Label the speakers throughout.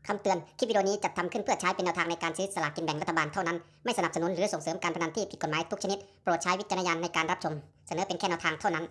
Speaker 1: คำเตือน คลิปวิดีโอนี้จัดทำขึ้นเพื่อใช้เป็นแนวทางในการซื้อสลากกินแบ่งรัฐบาลเท่านั้น ไม่สนับสนุนหรือส่งเสริมการพนันที่ผิดกฎหมายทุกชนิด โปรดใช้วิจารณญาณในการรับชม เสนอเป็นแค่แนวทางเท่านั้น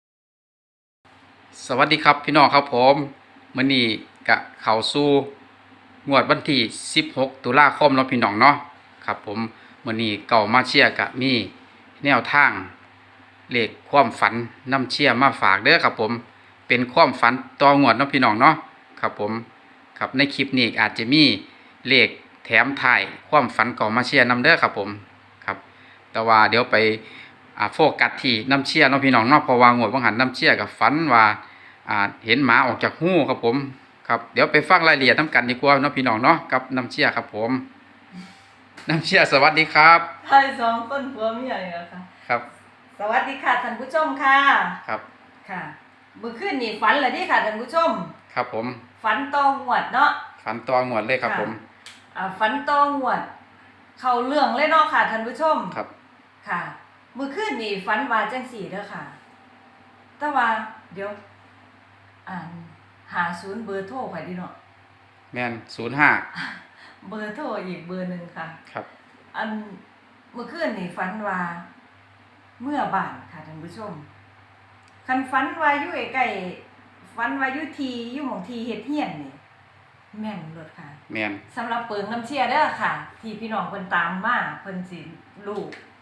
Speaker 2: สวัสดีครับพี่น้องครับผมมื้อนี้กะเข้าสู่งวดวันที่16ตุลาคมเนาะพี่น้องเนาะครับผมมื้อนี้เก่ามาเชียร์กะมีแนวทางเลขความฝันนำเชียร์มาฝากเด้อครับผมเป็นความฝันต่องวดเนาะพี่น้องเนาะครับผมครับในคลิปนี้อาจจะมีเลขแถมท้ายความฝันเก่ามาเชียร์นำเด้อครับผมครับแต่ว่าเดี๋ยวไปโฟกัสที่น้ำเชียร์เนาะพี่น้องเนาะเพราะว่างวดบ่หันน้ำเชียร์กับฝันว่าเห็นหมาออกจากหูครับผมครับเดี๋ยวไปฟังรายละเอียดน้ำกันดีกว่าเนาะพี่น้องเนาะกับน้ำเชียร์ครับผมน้ำเชียร์สวัสดีครับ
Speaker 3: ไทยสองต้นผัวเมียนี่แหละค่ะ
Speaker 2: ครับ
Speaker 3: สวัสดีค่ะท่านผู้ชมค่ะ
Speaker 2: ครับ
Speaker 3: ค่ะเมื่อคืนนี่ฝันเลยที่ค่ะท่านผู้ชม
Speaker 2: ครับผม
Speaker 3: ฝันตองหวดเนาะ
Speaker 2: ฝันต่องวดเลยครับผม
Speaker 3: ฝันตองหวดเข้าเรื่องเลยเนาะค่ะท่านผู้ชม
Speaker 2: ครับ
Speaker 3: ค่ะเมื่อคืนนี่ฝันว่าจังสี่เด้อค่ะแต่ว่าเดี๋ยวหาศูนย์เบอร์โทรไปดิเนาะ
Speaker 2: แม่น05
Speaker 3: เบอร์โทรอีกเบอร์หนึ่งค่ะ
Speaker 2: ครับ
Speaker 3: เมื่อคืนนี่ฝันว่าเมื่อบ่ายค่ะท่านผู้ชมคันฝันว่าอยู่ใกล้ฝันว่าอยู่ทีอยู่หม่องทีเฮ็ดเฮียนนี่แม่นเลิศค่ะ
Speaker 2: แม่น
Speaker 3: สำหรับเปิงน้ำเชียเด้อค่ะที่พี่น้องเพิ่นตามมาเพิ่นสิรู้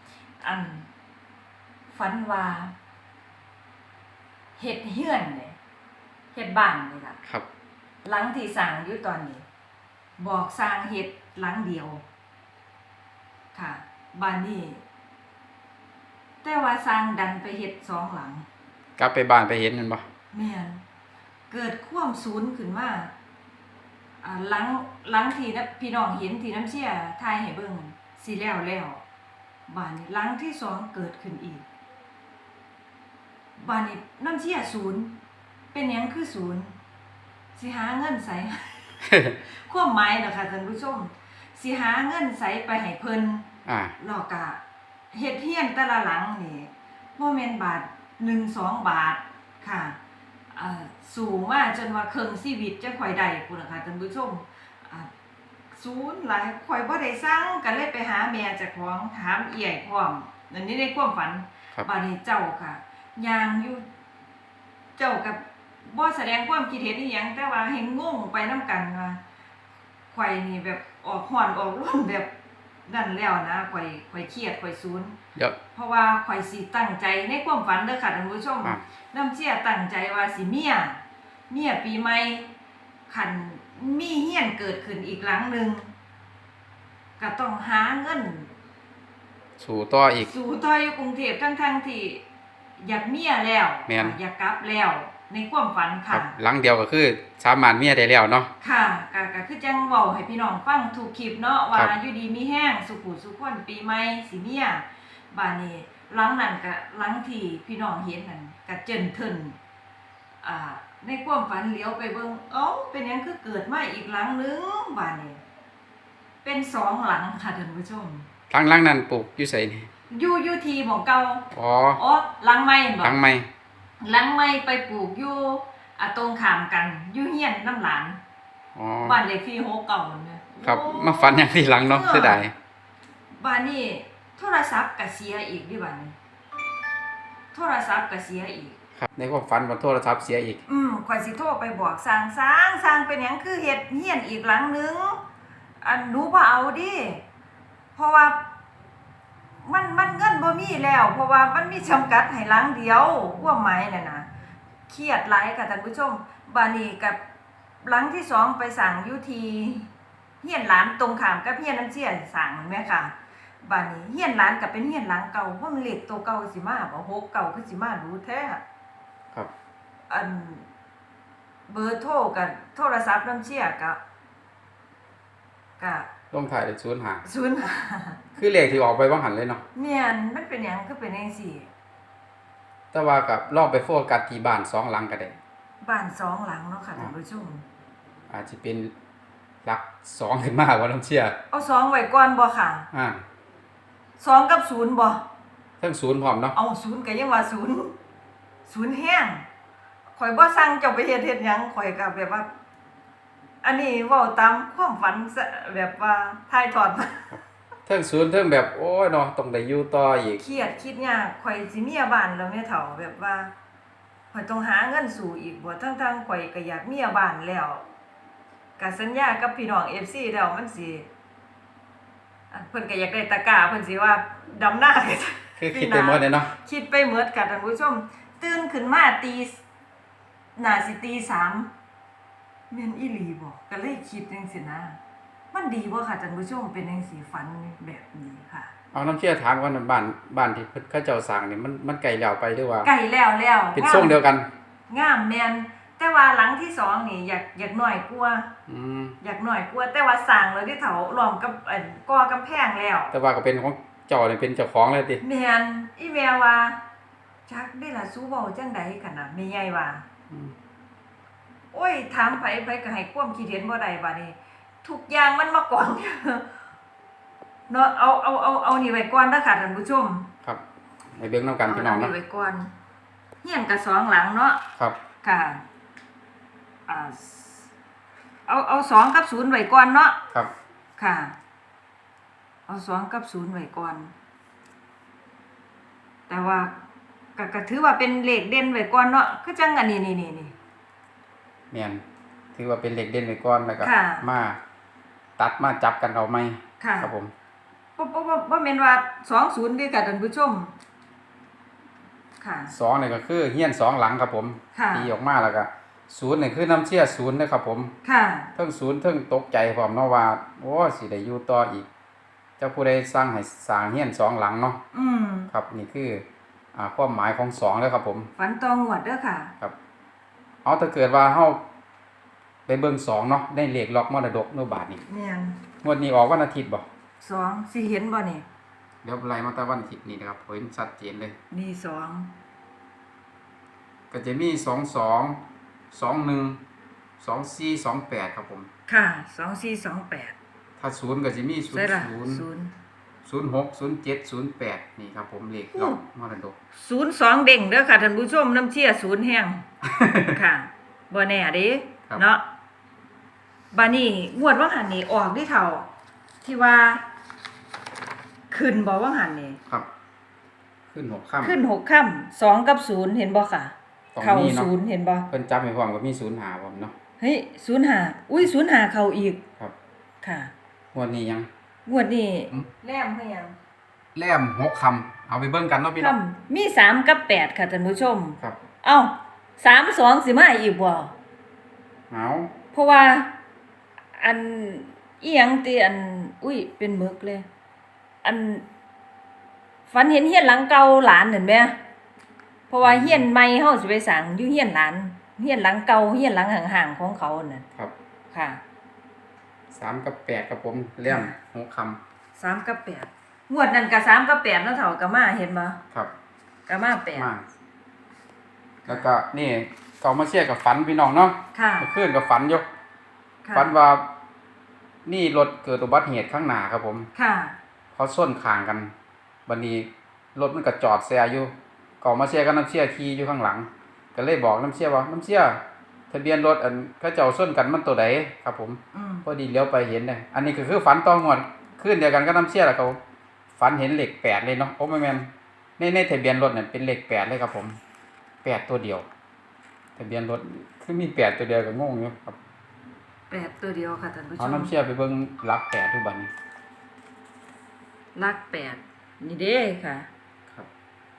Speaker 3: ฝันว่าเฮ็ดเฮือนนี่เฮ็ดบ้านนี่ล่ะ
Speaker 2: ครับ
Speaker 3: หลังที่สร้างอยู่ตอนนี้บอกสร้างเฮ็ดหลังเดียวค่ะบ้านนี้แต่ว่าสร้างดันไปเฮ็ด2หลัง
Speaker 2: กลับไปบ้านไปเห็นมันบ่
Speaker 3: แม่นเกิดความสูญขึ้นมาหลังที่พี่น้องเห็นที่น้ำเชี่ยทายให้เบิ่งสิแล้วบ้านนี้หลังที่2เกิดขึ้นอีกบ้านนี้น้ำเชี่ยศูนย์เป็นหยังคือศูนย์สิหาเงินใส่ ความหมายเนาะค่ะท่านผู้ชมสิหาเงินใส่ไปให้เพิ่นแล้วก็เฮ็ดเฮียนแต่ละหลังนี่บ่แม่นบาท1-2 บาทค่ะสูงมาจนว่าครึ่งชีวิตจะค่อยได้พุ่นน่ะค่ะท่านผู้ชมศูนย์หลายข่อยบ่ได้สั่งก็เลยไปหาแม่เจ้าของถามเอื้อยพร้อมนั่นนี่ในความฝันบัดนี้เจ้าค่ะย่างอยู่เจ้ากับบ่แสดงความคิดเห็นอีหยังแต่ว่าให้งงไปนำกันว่าข่อยนี่แบบออกฮ้อนออกร้อนแบบนั่นแล้วนะข่อยเครียดข่อยศูนย์เพราะว่าข่อยสิตั้งใจในความฝันเด้อค่ะท่านผู้ชมน้ำเชี่ยตั้งใจว่าสิเมียปีใหม่คันมีเฮียนเกิดขึ้นอีกหลังนึงก็ต้องหาเงิน
Speaker 2: สู่ต่อ
Speaker 3: อยู่กรุงเทพทั้งที่อยากเมียแล้วอยากกลับแล้วในความฝันค่ะ
Speaker 2: หลังเดียวก็คือสามารถเมียได้แล้วเนาะ
Speaker 3: ค่ะก็คือจังเว้าให้พี่น้องฟังทุกคลิปเนาะว่าอยู่ดีมีแห้งสุขุสุขคนปีใหม่สิเมียบ้านนี้หลังนั้นก็หลังที่พี่น้องเห็นนั่นก็เจินทึนในความฝันเลี้ยวไปเบิ่งเป็นหยังคือเกิดมาอีกหลังนึงบ้านนี้เป็น2หลังค่ะท่านผู้ชม
Speaker 2: หลังนั้นปลูกอยู่ไสนี่
Speaker 3: อยู่ที่หม้องเก่าหลังใหม่บ่
Speaker 2: หลังใหม่
Speaker 3: ไปปลูกอยู่ตรงข้ามกันอยู่เฮียนน้ำหลานบ้านเลขที่6เก่าเนี่ย
Speaker 2: ครับมาฝันอย่างที่หลังเนาะเสียดาย
Speaker 3: บ้านนี้โทรศัพท์ก็เสียอีกดิบ้านนี้โทรศัพท์ก็เสียอีก
Speaker 2: ครับในความฝันว่าโทรศัพท์เสียอีก
Speaker 3: ข่อยสิโทรไปบอกสร้างเป็นหยังคือเฮ็ดเฮียนอีกหลังนึงหนูบ่เอาดิเพราะว่ามันเงินบ่มีแล้วเพราะว่ามันมีจำกัดให้หลังเดียวความหมายนั่นน่ะเครียดหลายค่ะท่านผู้ชมบ้านนี้กับหลังที่2ไปสั่งอยู่ที่เฮียนหลานตรงข้ามกับเฮียนน้ำเชี่ยสั่งแม่ค่ะบ้านนี้เฮียนหลานก็เป็นเฮียนหลังเก่าเพราะมันเลขตัวเก่าสิมาบ่6เก่าคือสิมารู้แท้
Speaker 2: ครับ
Speaker 3: เบอร์โทรกับโทรศัพท์น้ำเชี่ยก็
Speaker 2: ลงถ่ายได้
Speaker 3: 05
Speaker 2: คือเลขที่ออกไปว่างหันเลยเนาะ
Speaker 3: แม่นมันเป็นหยังคือเป็นจังซี่
Speaker 2: แต่ว่ากับลองไปโฟกัสที่บ้าน2หลังก็ได้
Speaker 3: บ้าน2หลังเนาะค่ะท่านผู้ชม
Speaker 2: อาจจะเป็นหลัก2ขึ้นมาว่าน้ำเชี่ย
Speaker 3: เอา2ไว้ก่อนบ่ค่ะ2กับ0บ่
Speaker 2: ทั้ง0พร้อมเนาะ
Speaker 3: เอา0ก็ยังว่า0แห้งข่อยบ่สั่งเจ้าไปเฮ็ดหยังข่อยก็แบบว่าอันนี้เว้าตามความฝันซะแบบว่าถ่ายทอดมา
Speaker 2: เทิงศูนย์เทิงแบบโอ้ยเนาะต้องได้อยู่ต่ออีก
Speaker 3: เครียดคิดยากข่อยสิเมียบ้านแล้วแม่เฒ่าแบบว่าข่อยต้องหาเงินสู่อีกบ่ทั้งๆข่อยก็อยากเมียบ้านแล้วก็สัญญากับพี่น้อง FC แล้วมันสิอันเพิ่นก็อยากได้ตะกร้าเพิ่นสิว่าดำหน้าก็
Speaker 2: คือคิดไปหมดเลยเนาะ
Speaker 3: คิดไปหมดค่ะท่านผู้ชมตื่นขึ้นมาน่าสิตี3แม่นอีหลีบ่ก็เลยคิดจังซี่นะมันดีบ่ค่ะท่านผู้ชมเป็นจังซี่ฝันแบบนี้ค่ะ
Speaker 2: เอาน้ำเชื่อถามว่าบ้านที่เพิ่นเขาเจ้าสร้างนี่มันไกลแล้วไปหรือว่า
Speaker 3: ไก่แล้ว
Speaker 2: เป็นทรงเดียวกัน
Speaker 3: งามแม่นแต่ว่าหลังที่สองนี่อยากน้อยกว่า
Speaker 2: อืม
Speaker 3: อยากน้อยกว่าแต่ว่าสร้างแล้วที่เฒ่าล้อมกับก่อกำแพงแล้ว
Speaker 2: แต่ว่าก็เป็นของเจ้านี่เป็นเจ้าของเลยติ
Speaker 3: แม่นอีแม่ว่าจักได้ล่ะสู้เว้าจังใดคั่นน่ะแม่ใหญ่ว่า
Speaker 2: อืม
Speaker 3: โอ้ยถามไผก็ให้ความคิดเห็นบ่ได้บัดนี้ทุกอย่างมันมากอง เนาะเอานี่ไว้ก่อนเด้อค่ะท่านผู้ชม
Speaker 2: ครับไปเบิ่งนํกันพี่น้อง
Speaker 3: เอา
Speaker 2: เนาะ
Speaker 3: ไว้ก่อนเฮียนก็สองหลังเนาะ
Speaker 2: ครับ
Speaker 3: ค่ะเอา2กับ0ไว้ก่อนเนาะ
Speaker 2: ครับ
Speaker 3: ค่ะ เอา2กับ0ไว้ก่อน แต่ว่าก็ถือว่าเป็นเลขเด่นไว้ก่อนเนาะคือจังอันนี้นี่
Speaker 2: แม่นถือว่าเป็นเหล็กเด่นไว้ก่อนแล้วก็
Speaker 3: ค่ะ
Speaker 2: มาตัดมาจับกันเอาไหม
Speaker 3: ค่ะ
Speaker 2: ครับผม
Speaker 3: บ่แม่นว่า20เด้อค่ะท่านผู้ชม ค่ะ
Speaker 2: สองนี่ก็คือเฮียนสองหลังครับผม
Speaker 3: ค่ะ
Speaker 2: ตีออกมาแล้วก็ศูนย์นี่คือน้ำเชี่ยศูนย์นะครับผม
Speaker 3: ค่ะ
Speaker 2: เทิงศูนย์เทิงตกใจพร้อมเนาะว่าโอ้สิได้อยู่ต่ออีก เจ้าผู้ใดสร้างให้สร้างเฮียนสองหลังเนาะ
Speaker 3: อืม
Speaker 2: ครับนี่คือความหมายของสองแล้วครับผม
Speaker 3: ฝันตองวดเด้อค่ะ
Speaker 2: ครับเอาถ้าเกิดว่าเฮาไปเบิ่งสองเนาะได้เลขล็อกมรดกโนบาทนี่
Speaker 3: แม่น
Speaker 2: งวดนี้ออกวันอาทิตย์บ่
Speaker 3: 2สิเห็นบ่นี่
Speaker 2: เดี๋ยวไล่มาแต่วันอาทิตย์นี่นะครับเห็นชัดเจนเลย
Speaker 3: นี่2
Speaker 2: ก็จะมี21 24 28ครับผม
Speaker 3: ค่ะ2428
Speaker 2: ถ้าศูนย์ก็จะมี
Speaker 3: ใช่ล่ะ
Speaker 2: 06 07 08นี่ครับผมเลขล็อกมรดก
Speaker 3: 02เด้งเด้อค่ะท่านผู้ชมน้ำเชี่ย0แห้ง ค่ะบ่แน่เด้
Speaker 2: ครับ
Speaker 3: เนาะบัดนี้งวดว่าหันนี่ออกดิเท่า ที่ว่า ขึ้นบ่ว่าหันนี่
Speaker 2: ครับ ขึ้น6ค่ำ
Speaker 3: ขึ้น6ค่ำ2กับ0เห็นบ่ค่ะ
Speaker 2: ตรง
Speaker 3: เข้า
Speaker 2: นี้เนาะ
Speaker 3: 0เห็นบ่
Speaker 2: เพิ่นจับให้พร้อมก็มี05ผมเนาะ
Speaker 3: เฮ้ย05อุ้ย05เข้าอีก
Speaker 2: ครับ
Speaker 3: ค่ะ
Speaker 2: งวดนี้ยัง
Speaker 3: งวดนี้
Speaker 2: อืม
Speaker 3: แลมคือหยัง
Speaker 2: แล่ม6คำเอาไปเบิ่งกันเนาะพี่น้อง
Speaker 3: ค่ำมี3กับ8ค่ะท่านผู้ชม
Speaker 2: ครับ
Speaker 3: เอ้า32สิมาอีกบ่
Speaker 2: เอา
Speaker 3: เพราะว่าอันอีหยังติอันอุ้ยเป็นหมึกเลย อันฝันเห็นเฮียนหลังเก่าหลานเห็นไหมเพราะว่าเฮียนใหม่เฮาสิไปสร้างอยู่เฮียนหลานเฮียนหลังเก่าเฮียนหลังห่างๆของเขาน่ะ
Speaker 2: ครับ
Speaker 3: ค่ะ
Speaker 2: 3กับ8ครับผมแล่ม6คำ
Speaker 3: 3กับ8งวดนั้นก็3กับ8เนาะเฒ่าก็มาเห็นบ่
Speaker 2: ครับ
Speaker 3: ก็มา
Speaker 2: มาแล้วก็นี่ก็มาเชียร์กับฝันพี่น้องเนาะ
Speaker 3: 8ค่ะ
Speaker 2: เมื่อคืนกับฝันอยู่
Speaker 3: ค่ะ
Speaker 2: ฝันว่านี่รถเกิดอุบัติเหตุข้างหน้าครับผม
Speaker 3: ค่ะ
Speaker 2: เขาส้นข้างกันบัดนี้รถมันก็จอดแซอยู่ก็มาเชียร์กับน้ำเชียร์ขี่อยู่ข้างหลัง ก็เลยบอกน้ำเชียร์ว่าน้ำเชียร์ทะเบียนรถอันเขาเจ้าส้นกันมันตัวใดครับผม
Speaker 3: อืม
Speaker 2: พอดีเลี้ยวไปเห็นเลยอันนี้ก็คือฝันต่องวดคืนเดียวกันก็น้ำเชียร์แหละครับผมฝันเห็นเลข8เลยเนาะโอ้ไม่แม่นในทะเบียนรถเนี่ยเป็นเลข8เลยครับผม8ตัวเดียวทะเบียนรถคือมี8ตัวเดียวก็งงอยู่ครับ
Speaker 3: 8ตัวเดียวค่ะท่านผู้ช
Speaker 2: เอา
Speaker 3: ม
Speaker 2: น้ำเชียร์ไปเบิ่งหลัก8ทุกบัดนี้
Speaker 3: ลัก8นี่เด้ค่ะ
Speaker 2: ครับ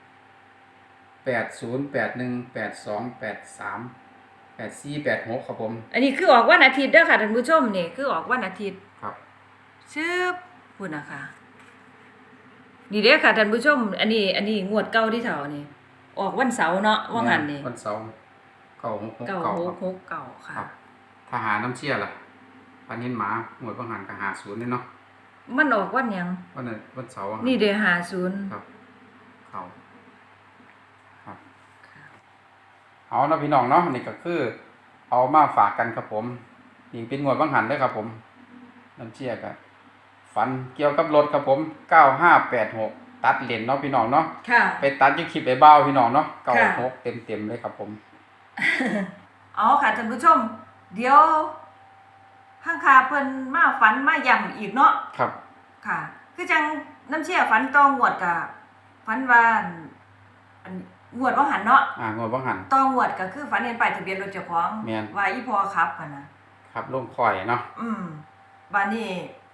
Speaker 2: 80 81 82 83 84 86ครับผม
Speaker 3: อันนี้คือออกวันอาทิตย์เด้อค่ะท่านผู้ชมนี่คือออกวันอาทิตย์
Speaker 2: ครับ
Speaker 3: ชื่อพุ่นนะคะนี่เด้อค่ะท่านผู้ชม อันนี้งวดเก่าที่เฒ่านี่ออกวันเสาร์เนาะว่างั้นนี่
Speaker 2: วันเสาร์966
Speaker 3: 9669ค่ะ
Speaker 2: ครับถ้าหาน้ำเชียร์ล่ะปันเห็นหมาหมวดบางหันก็หา0นี่เนาะ
Speaker 3: มันออกวันหยัง
Speaker 2: วันนั้นวันเสาร์
Speaker 3: นี่เด้50
Speaker 2: ครับเขาครับเอาเนาะพี่น้องเนาะนี่ก็คือ เอามาฝากกันครับผมนี่เป็นงวดบางหันเด้อครับผมน้ำเชียร์ก็ฝันเกี่ยวกับรถครับผม9586ตัดเลนเนาะพี่น้องเนาะ
Speaker 3: ค่ะ
Speaker 2: ไปตัดอยู่คลิปไอ้บ้าวพี่น้องเนาะ
Speaker 3: ค่ะ
Speaker 2: 96เต็มๆเลยครับผม
Speaker 3: เอาค่ะท่านผู้ชม เดี๋ยวข้างคาเพิ่นมาฝันมาย้ำอีกเนาะ
Speaker 2: ครับ
Speaker 3: ค่ะ คือจังน้ำเชี่ยฝันต้องงวดกะฝันว่าอันงวดว่าหันเนาะ
Speaker 2: งวดบ่หัน
Speaker 3: ต้องงวดก็คือฝันเห็นป้ายทะเบียนรถเจ้าของ
Speaker 2: แม่น
Speaker 3: ว่าอีพ่อขับกันนะครับ
Speaker 2: ลงคอยเนาะ
Speaker 3: บัดนี้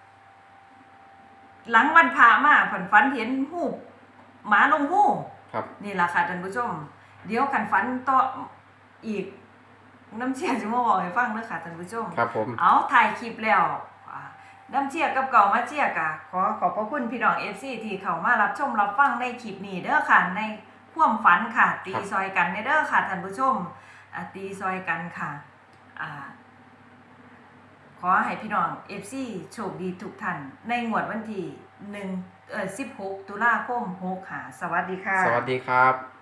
Speaker 3: หลังวันพระมาฝันเห็นหูปหมาลงหู
Speaker 2: ครับ
Speaker 3: นี่ล่ะค่ะท่านผู้ชม เดี๋ยวคันฝันต่ออีกน้ำเชี่ยสิมาบอกให้ฟังเด้อค่ะท่านผู้ชม
Speaker 2: ครับผม
Speaker 3: เอาถ่ายคลิปแล้วน้ำเชี่ยกับเก่ามาเชี่ยกะขอบพระคุณพี่น้อง FC ที่เข้ามารับชมรับฟังในคลิปนี้เด้อค่ะในความฝันค่ะ ตีซอยกันเด้อค่ะท่านผู้ชมตีซอยกันค่ะขอให้พี่น้อง FC โชคดีทุกท่านในงวดวันที่16 ตุลาคม65สวัสดีค่ะ
Speaker 2: สวัสดีครับ